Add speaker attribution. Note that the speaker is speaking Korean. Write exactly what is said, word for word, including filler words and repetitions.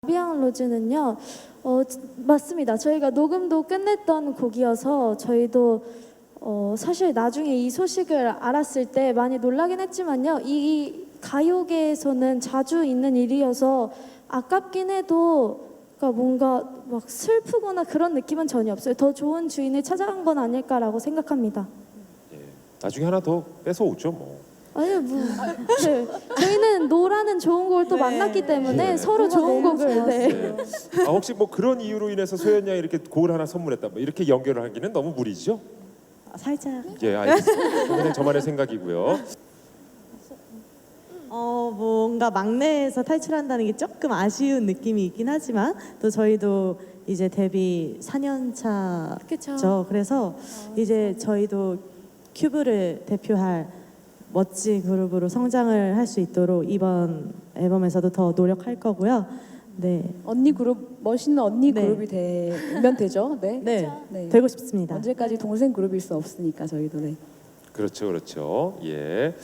Speaker 1: 비앙 로즈는요, 어, 맞습니다. 저희가 녹음도 끝냈던 곡이어서 저희도 어, 사실 나중에 이 소식을 알았을 때 많이 놀라긴 했지만요, 이, 이 가요계에서는 자주 있는 일이어서 아깝긴 해도 그러니까 뭔가 막 슬프거나 그런 느낌은 전혀 없어요. 더 좋은 주인을 찾아간 건 아닐까라고 생각합니다.
Speaker 2: 예, 나중에 하나 더 뺏어 오죠 뭐.
Speaker 1: 아니 뭐 네. 저희는 노라는 좋은 곡을 또
Speaker 3: 네.
Speaker 1: 만났기 때문에
Speaker 2: 네.
Speaker 1: 서로 좋은 곡을 네.
Speaker 2: 네. 아, 혹시 뭐 그런 이유로 인해서 소연 양이 이렇게 곡을 하나 선물했다 뭐 이렇게 연결을 하기는 너무 무리죠?
Speaker 3: 아, 살짝
Speaker 2: 예, 알겠습니다. 그냥 저만의 생각이고요.
Speaker 3: 어 뭔가 막내에서 탈출한다는 게 조금 아쉬운 느낌이 있긴 하지만 또 저희도 이제 데뷔 사 년
Speaker 1: 그쵸.
Speaker 3: 차죠. 그래서 이제 저희도 큐브를 대표할 멋진 그룹으로 성장을 할 수 있도록 이번 앨범에서도 더 노력할 거고요. 네,
Speaker 4: 언니 그룹 멋있는 언니
Speaker 3: 네.
Speaker 4: 그룹이 되면 되죠. 네.
Speaker 3: 네,
Speaker 4: 네.
Speaker 3: 되고 싶습니다.
Speaker 4: 언제까지 동생 그룹일 수 없으니까 저희도 네.
Speaker 2: 그렇죠, 그렇죠. 예.